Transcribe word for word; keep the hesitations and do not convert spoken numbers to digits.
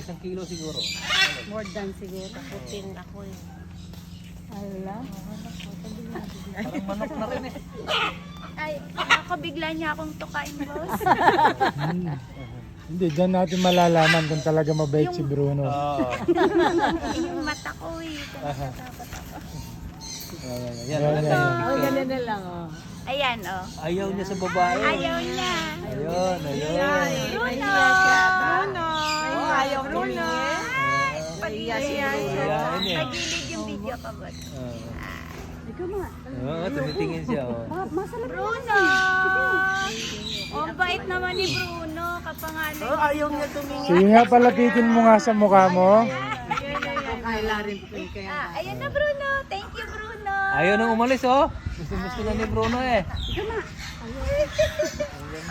isang kilo siguro. More than siguro. Putin ako eh. Ala. Parang manok na rin eh. Ay, ako bigla niya akong tukain, boss. Hindi, dyan natin malalaman kung talaga mabait si Bruno. Oo. Yung mata ko eh. Natatakot ako. Ayan, Yan, ayan. yan, yan. Oh, ganun na lang, oh. Ayan, oh. Ayaw niya sa babae. Ayaw niya. Ayun, ayun. Bruno! Bruno! Oh, ayaw Bruno. Pag-iya si Bruno. Ayan, eh. Nagilid yung video ka, boss. Oo. Ikaw mga. Oo, tumitingin siya. Oh. Ma masalam. Bruno! Oh, ang bait naman ni Bruno. Kapangalan. Oh, ayaw niya tumingin. Sige nga, palapitin mo nga sa mukha mo. Kaya rin po kaya. Ah, ayan na, Bruno. Thank you, Bruno. Ayaw nang umalis oh. Gusto gusto na ni Bruno eh. Ikaw ma.